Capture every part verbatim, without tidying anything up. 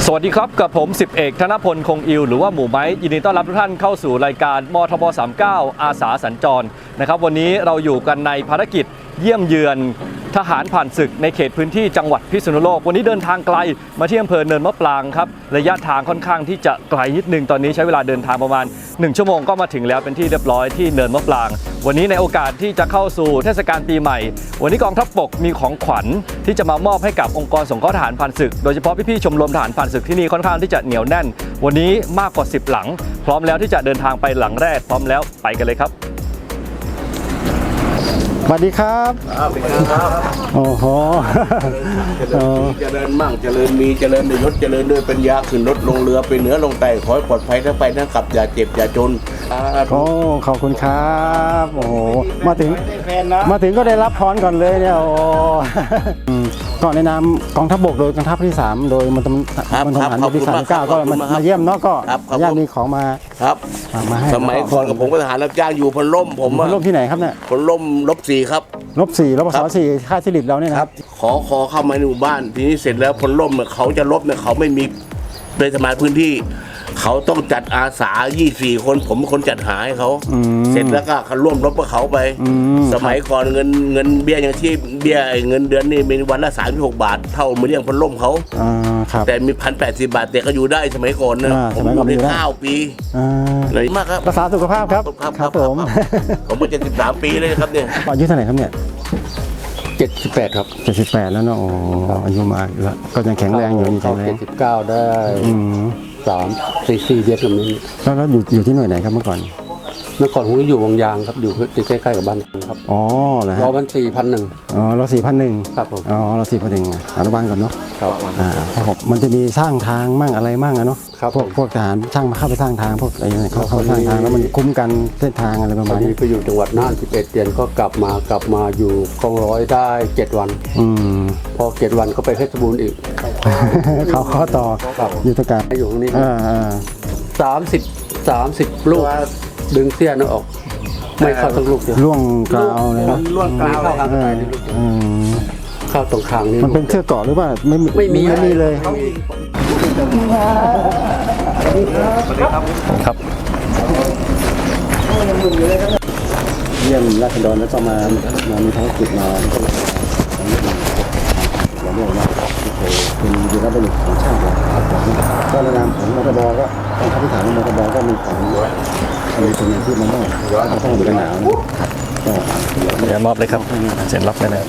สวัสดีครับกับผมสิบเอกธนพลคงอิวหรือว่าหมู่ไม้ยินดีต้อนรับทุกท่านเข้าสู่รายการมทบสามสิบเก้าอาสาสัญจรนะครับวันนี้เราอยู่กันในภารกิจเยี่ยมเยือนทหารผ่านศึกในเขตพื้นที่จังหวัดพิษณุโลกวันนี้เดินทางไกลมาที่อำเภอเนินมะปรางครับระยะทางค่อนข้างที่จะไกลนิดนึงตอนนี้ใช้เวลาเดินทางประมาณหนึ่งชั่วโมงก็มาถึงแล้วเป็นที่เรียบร้อยที่เนินมะปรางวันนี้ในโอกาสที่จะเข้าสู่เทศกาลปีใหม่วันนี้กองทัพบกมีของขวัญที่จะมามอบให้กับองค์กรสงเคราะห์ทหารผ่านศึกโดยเฉพาะพี่ๆชมรมทหารผ่านศึกที่นี่ค่อนข้างที่จะเหนียวแน่นวันนี้มากกว่าสิบหลังพร้อมแล้วที่จะเดินทางไปหลังแรกพร้อมแล้วไปกันเลยครับสวัสดีครับครับครับโอ้โหเจริญมั่งเจริญมีเจริญด้วยยศเจริญด้วยปัญญาขึ้นรถลงเรือไปเหนือลงใต้ขอให้ปลอดภัยทั้งไปทั้งกลับอย่าเจ็บอย่าจนโอ้ขอบคุณครับโอ้โหมาถึงมาถึงก็ได้รับพรก่อนเลยเนี่ยโอ้ก็ในนามกองทัพบกโดยกองทัพที่สามโดยมันมันทหารที่สามสิบเก้าก็มาเยี่ยมเนาะก็ญาติมีของมาครับมาให้สมัยก่อนกับผมก็ทหารรับจ้างอยู่พลล่มผมพลล่มที่ไหนครับเนี่ยพลล่มลบสี่ครับลบสี่ลบสองสี่ค่ายสิริเราเนี่ยนะครับขอขอเข้ามาในหมู่บ้านทีนี้เสร็จแล้วพลล่มเขาจะลบเนี่ยเขาไม่มีเป็นสมาชิกพื้นที่เขาต้องจัดอาสายี่สิบสี่คนผมเป็นคนจัดหาให้เขาเสร็จแล้วก็เขาร่วมรบกับเขาไปสมัยก่อนเงินเงินเบี้ยอย่างที่เบี้ยเงินเดือนนี่มีวันละสามสิบหกบาทเท่ามือเลี้ยงพลล่มเขาแต่มีพันแปดสิบบาทแต่ก็อยู่ได้สมัยก่อนนะผมอยู่ได้เก้าปีเลยมากครับรักษาสุขภาพครับครับผมผมเป็นเจ็ดสิบสามปีเลยครับเนี่ยอายุเท่าไหร่ครับเนี่ยเจ็ดสิบแปดครับเจ็ดสิบแปดแล้วเนาะโอ้อายุมากแล้วก็ยังแข็งแรงอยู่ยังแข็งแรงเจ็ดสิบเก้าได้สามสี่สี่เดือนแบบนี้แล้วแล้วอยู่อยู่ที่หน่วยไหนครับเมื่อก่อนเมื่อก่อนผมก็อยู่วงยางครับอยู่ใกล้ๆกับบ้านครับอ๋อเหรอฮะรอวันสี่พันหนึ่งอ๋อเราสี่พันหนึ่งครับผมอ๋อเราสี่พันหนึ่งอนุบาลก่อนเนาะครับอ่ามันจะมีสร้างทางมั่งอะไรมั่งอะเนาะพวกพวกทหารช่างมาเข้าไปสร้างทางพวกอะไรเนี่ยเขาเข้าสร้างทางแล้วมันคุ้มกันเส้นทางอะไรประมาณนี้ไปอยู่จังหวัดน่านสิบเอ็ดเดือนก็กลับมากลับมาอยู่กองร้อยได้เจ็ดวันอืมพอเจ็ดวันก็ไปเพชรบูรณ์อีกเขาข้อต่ออยู่ตรงกลางอยู่ตรงนี้อ่าอ่าสามสิบสามสิบลูกดึงเสี้ยนออกไม่เข้าทั้งลูกเดียวล่วงกลาวเลยนะล่วงกลาวเข้าทางใต้เข้าตรงคางนี่มันเป็นเชือกเกาะหรือว่าไม่ไม่มีไม่มีเลยสวัสดีครับครับเยี่ยมราษฎรแล้วก็มามามีภารกิจมาเราเรียกว่าเป็นวีรบุรุษของชาติเราก็ในนามของมทบก็กองทัพทหารมทบก็มีของมีส่วนหนึ่งที่มันต้องต้องอยู่กันหนาวก็เดี๋ยวมอบเลยครับเซ็นรับได้เลย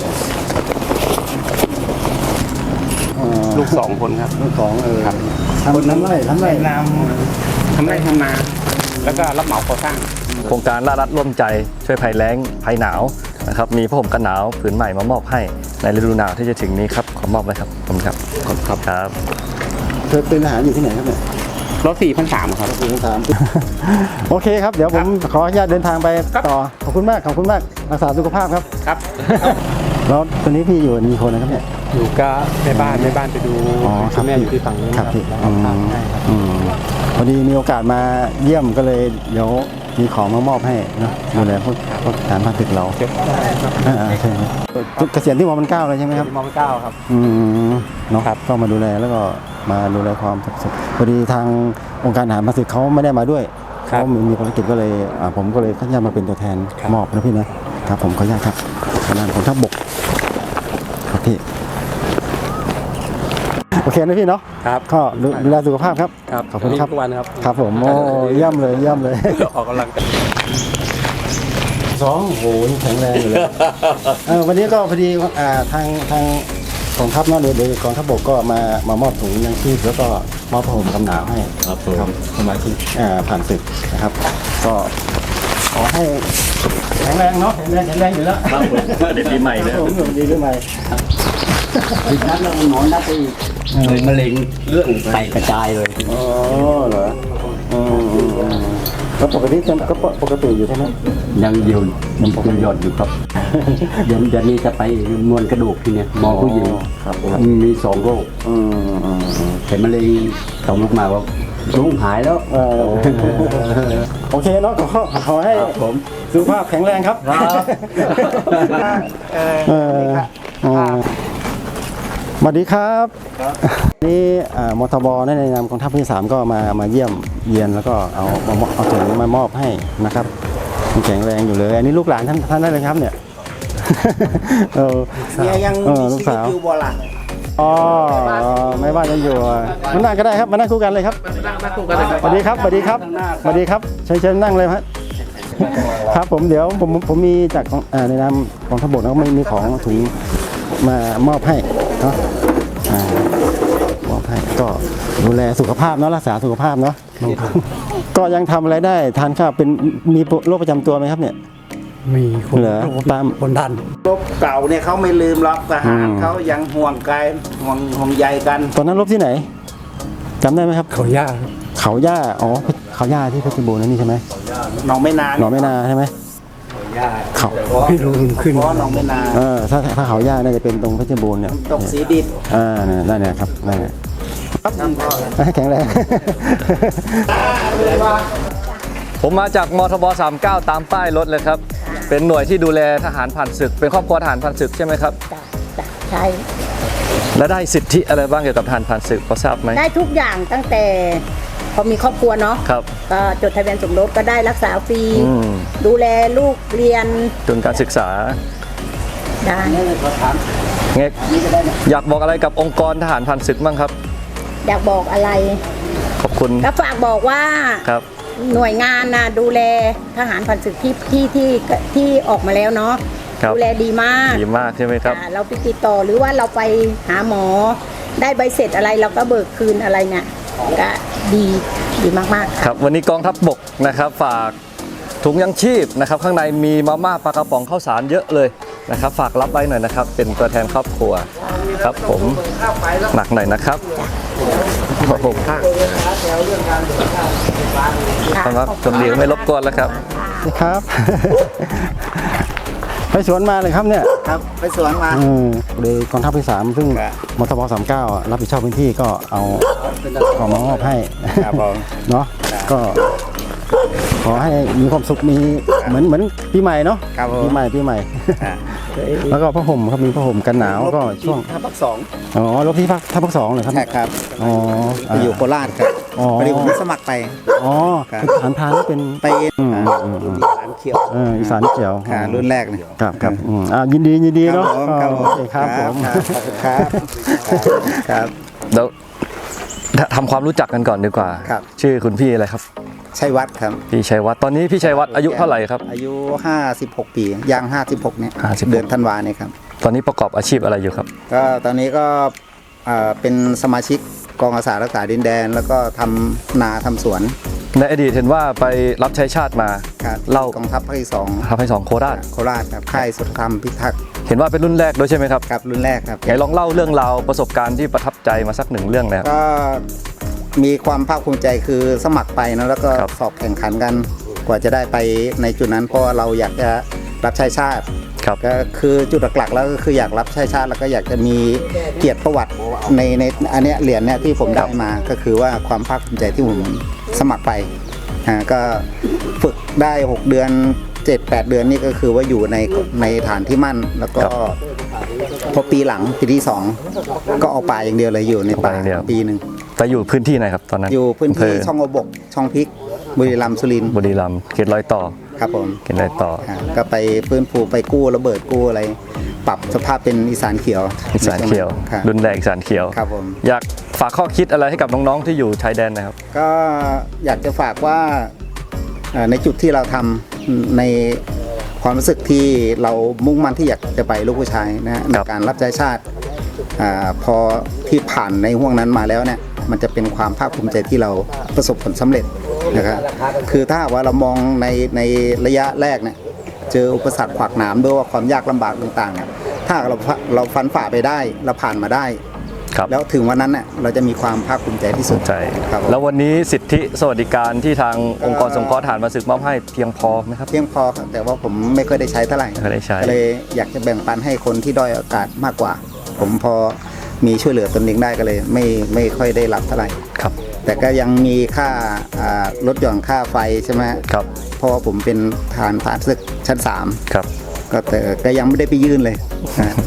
ลูกสองคนครับลูกสองเออทำน้ำไร่ทำไร่นำทำไร่ทำนาแล้วก็รับเหมาก่อสร้างโครงการรารัดร่วมใจช่วยภัยแล้งภัยหนาวนะครับมีผ้าห่มกันหนาวผืนใหม่มามอบให้ในฤดูหนาวที่จะถึงนี้ครับขอมอบเลยครับขอบคุณครับขอบคุณครับเธอเป็นทหารอยู่ที่ไหนครับเนี่ยรถสี่พันสามครับสี่พันสามโอเคครับเดี๋ยวผมขออนุญาตเดินทางไปต่อขอบคุณมากขอบคุณมากรักษาสุขภาพครับครับแล้วตอนนี้พี่อยู่มีคนนะครับเนี่ยอยู่ก็แม่บ้านแม่บ้านไปดูแม่อยู่ที่ฝั่งนี้ครับพี่พอดีมีโอกาสมาเยี่ยมก็เลยเดี๋ยวมีของมามอบให้นะดูแลพวกพวกฐานพันตึกเราอ่าใช่เกษียณที่มอมันเก้าเลยใช่ไหมครับมอมันเก้าครับอืมเนาะก็มาดูแลแล้วก็มาดูแลความสุขพอดีทางองค์การทหารพันตึกเขาไม่ได้มาด้วยเขามีภารกิจก็เลยผมก็เลยขออนุญาตมาเป็นตัวแทนมอบนะพี่นะครับผมขออนุญาตครับขนาดของทัพบกครับพี่โอเคนะพี่เนาะครับก็ดูแลสุขภาพครับขอบคุณครับทุกวันครับครับผมโอ้เยี่ยมเลยเยี่ยมเลยออกกำลังกายสองโอ้โหแข็งแรงเลยวันนี้ก็พอดีทางทางกองทัพเนาะโดยกองทัพบกก็มามามอบถุงยังชีพแล้วก็มอบผ้าห่มกันหนาวให้ครับสมาชิกผ่านศึกนะครับก็ขอให้แข็งแรงเนาะแข็งแรงแข็งแรงอยู่แล้วเด็กปีใหม่เลยผมอยู่ดีปีใหม่ติดนัดแล้วหมอนัดไปอีกเลยมะเร็งเรื่องไตกระจายเลยอ๋อเหรอแล้วปกติก็ปกติอยู่ใช่ไหมยังอยู่ยังปกติอยู่ครับเดี๋ยวเดี๋ยวนี้จะไปมวลกระดูกทีเนี้ยหมอผู้หญิงมีสองโรคเห็นมะเร็งต่อมลูกมาว่าลุงหายแล้วโอเคเนาะขอขอให้ผมสุขภาพแข็งแรงครับสวัสดีครับนี่อ่ามทบในนามกองทัพภาคที่สามก็มามาเยี่ยมเยียนแล้วก็เอาเอาเอาถุงมามอบให้นะครับยังแข็งแรงอยู่เลย อันนี้ลูกหลานท่านท่านได้เลยครับเนี่ยเออเนี่ยยังเอมีอลูกชีวิตสาวอยู่บ่ล่ะอ๋อไม่ว่าจะอยู่อ่ะมานั่งก็ได้ครับมานั่งคู่กันเลยครับสวัสดีครับสวัสดีครับสวัสดีครับเชิญเชิญนั่งเลยครับครับผมเดี๋ยวผมผมมีจากของอ่าในนามกองทัพบกแล้วก็ไม่มีของถุงมามอบให้เนาะอ่ามอบให้ก็ดูแลสุขภาพเนาะรักษาสุขภาพเนาะก็ยังทำอะไรได้ทานข้าวเป็นมีโรคประจำตัวไหมครับเนี่ยมีคนเหรอตามคนดันรบเก่าเนี่ยเขาไม่ลืมหรอกทหารอืมเขายังห่วงกายห่วงห่วงใยกันตอนนั้นรบที่ไหนจำได้ไหมครับเขาย่าเขาย่าอ๋อเขาย่าที่เพชรบูรณ์นั่นนี่ใช่ไหมหนองไม่นานหนองไม่นาใช่ไหมเขาไม่รู้ขึ้นเพราะหนองไม่นานเออถ้าถ้าเขาย่าน่าจะเป็นตรงเพชรบูรณ์เนี่ยตกสีดิบอ่าเนี่ยนั่นเนี่ยครับนั่นเนี่ยให้แข็งแรงผมมาจากมทบสามเก้าตามป้ายรถเลยครับ เป็นหน่วยที่ดูแลทหารผ่านศึก เป็นครอบครัวทหารผ่านศึกใช่ไหมครับจ้ะจ้ะใช่และได้สิทธิอะไรบ้างเกี่ยวกับทหารผ่านศึกพอทราบไหมได้ทุกอย่างตั้งแต่พอมีครอบครัวเนาะครับก็จดทะเบียนสมรสก็ได้รักษาฟรีอืมดูแลลูกเรียนจนการศึกษาได้เง็กอยากบอกอะไรกับองค์กรทหารผ่านศึกบ้างครับอยากบอกอะไรขอบคุณก็ฝากบอกว่าครับหน่วยงานนะดูแลทหารผ่านศึกที่ที่ที่ที่ออกมาแล้วเนาะครับดูแลดีมากดีมากใช่ไหมครับอ่าเราไปติดต่อหรือว่าเราไปหาหมอ ได้ใบเสร็จอะไรเราก็เบิกคืนอะไรเนี่ยก็ดีดีมากๆครับวันนี้กองทัพบกนะครับฝากถุงยังชีพนะครับ ข้างในมีมาม่าปลากระป๋องข้าวสารเยอะเลยนะครับ ฝากรับไว้หน่อยนะครับ เป็นตัวแทนครอบครัวครับผมหนักหน่อยนะครับครับผมครับจนดีไม่รบกวนแล้วครับครับ ไปสวนมาเลยครับเนี่ยครับไปสวนมาอืมเลยกองทัพที่สามซึ่งครับมทบสามเก้ารับผิดชอบพื้นที่ก็เอาของมามอบให้ครับผมเนาะก็ขอให้มีความสุขมีเหมือนเหมือนปีใหม่เนาะครับผมปีใหม่ปีใหม่ แล้วก็ผ้าห่มครับมีผ้าห่มกันหนาวก็ช่วงทัพภาคสองอ๋อรบที่ภาคทัพภาคสองเหรอครับใช่ครับอ๋อไปอยู่โคราชครับอ๋อพอดีผมสมัครไปอ๋อครับฐานพรานนี่เป็นไปอืมอ่าอืมอืมรุ่นที่สามเขียวเอออีสานเจียวค่ะรุ่นแรกเลยครับครับอืมอ่ายินดียินดีเนาะครับผมโอเคครับผมครับครับแล้วทำความรู้จักกันก่อนดีกว่าครับชื่อคุณพี่อะไรครับชัยวัฒน์ครับพี่ชัยวัฒน์ตอนนี้พี่ชัยวัฒน์อายุเท่าไหร่ครับอายุห้าสิบหกปีย่างห้าสิบหกเนี่ยห้าสิบหกเดือนธันวาเนี่ยครับตอนนี้ประกอบอาชีพอะไรอยู่ครับก็ตอนนี้ก็อ่าเป็นสมาชิกกองอาสารักษาดินแดน แล้วก็ทำนาทำสวนในอดีตเห็นว่าไปรับใช้ชาติมาครับเล่ากองทัพภาคที่สองทำให้สองโคราชโคราชครับค่ายสุธรรมพิทักษ์เห็นว่าเป็นรุ่นแรกด้วยใช่ไหมครับครับรุ่นแรกครับไหนลองเล่าเรื่องราวประสบการณ์ที่ประทับใจมาสักหนึ่งเรื่องนะครับก็มีความภาคภูมิใจคือสมัครไปนะแล้วก็ครับสอบแข่งขันกัน กว่าจะได้ไปในจุดนั้นเพราะว่าเราอยากจะรับใช้ชาติครับก็คือจุดหลักๆแล้วก็คืออยากรับใช้ชาติแล้วก็อยากจะมีเกียรติประวัติในในอันเนี้ยเหรียญเนี้ยที่ผมได้มาก็คือว่าความภาคภูมิใจที่ผมสมัครไปอ่าก็ฝึกได้หกเดือนเจ็ดแปดเดือนนี่ก็คือว่าอยู่ในในฐานที่มั่น แล้วก็พอปีหลังปีที่สองก็เอาป่าอย่างเดียวเลยอยู่ในป่าเอาป่าอย่างเดียวปีหนึ่งไปอยู่พื้นที่ไหนครับตอนนั้นอยู่พื้นที่ำเภช่องอบกช่องพริกบุรีรัมย์สุรินทร์บุรีรัมย์เขตรอยต่อครับผมเขตรอยต่ออ่าก็ไปฟื้นฟูไปกู้ระเบิดกู้อะไร ปรับสภาพเป็นอีสานเขียวอีสานเขียวครับรุ่นแรกอีสานเขียวครับผมอยากฝากข้อคิดอะไรให้กับน้องๆที่อยู่ชายแดนนะครับก็อยากจะฝากว่าเอ่อในจุดที่เราทำในความรู้สึกที่เรามุ่งมั่นที่อยากจะไปลูกผู้ชายนะฮะในการรับใช้ชาติอาพอที่ผ่านในห่วงนั้นมาแล้วเนี่ยมันจะเป็นความภาคภูมิใจที่เราประสบผลสำเร็จนะครับคือถ้าหากว่าเรามองในในระยะแรกเนี่ยเจออุปสรรคขวากหนามด้วยว่าความยากลำบากต่างๆเนี่ยถ้าเราเราฟันฝ่าไปได้เราผ่านมาได้ครับแล้วถึงวันนั้นเนี่ยเราจะมีความภาคภูมิใจที่สุดใช่ครับแล้ววันนี้สิทธิสวัสดิการที่ทางองค์กรสงเคราะห์ทหารมาศึกมอบให้เพียงพอไหมครับเพียงพอครับแต่ว่าผมไม่ค่อยได้ใช้เท่าไหร่ไม่ค่อยได้ใช้ก็เลยอยากจะแบ่งปันให้คนที่ด้อยโอกาสมากกว่า ผมพอมีช่วยเหลือตนเองได้ก็เลย ไม่ไม่ค่อยได้รับเท่าไหร่ครับแต่ก็ยังมีค่าอ่าลดหย่อนค่าไฟใช่ไหมครับเพราะว่าผมเป็นทหารผ่านศึกชั้นสามครับก็แต่ก็ยังไม่ได้ไปยื่นเลยนะ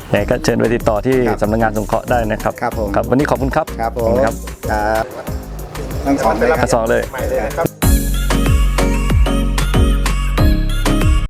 ยังไงก็เชิญไปติดต่อที่ครับสำนักงานสงเคราะห์ได้นะครับครับผมครับวันนี้ขอบคุณครับครับผขอบมคุณครับครับทั้งสองเลยครับทั้งสองเลยครับ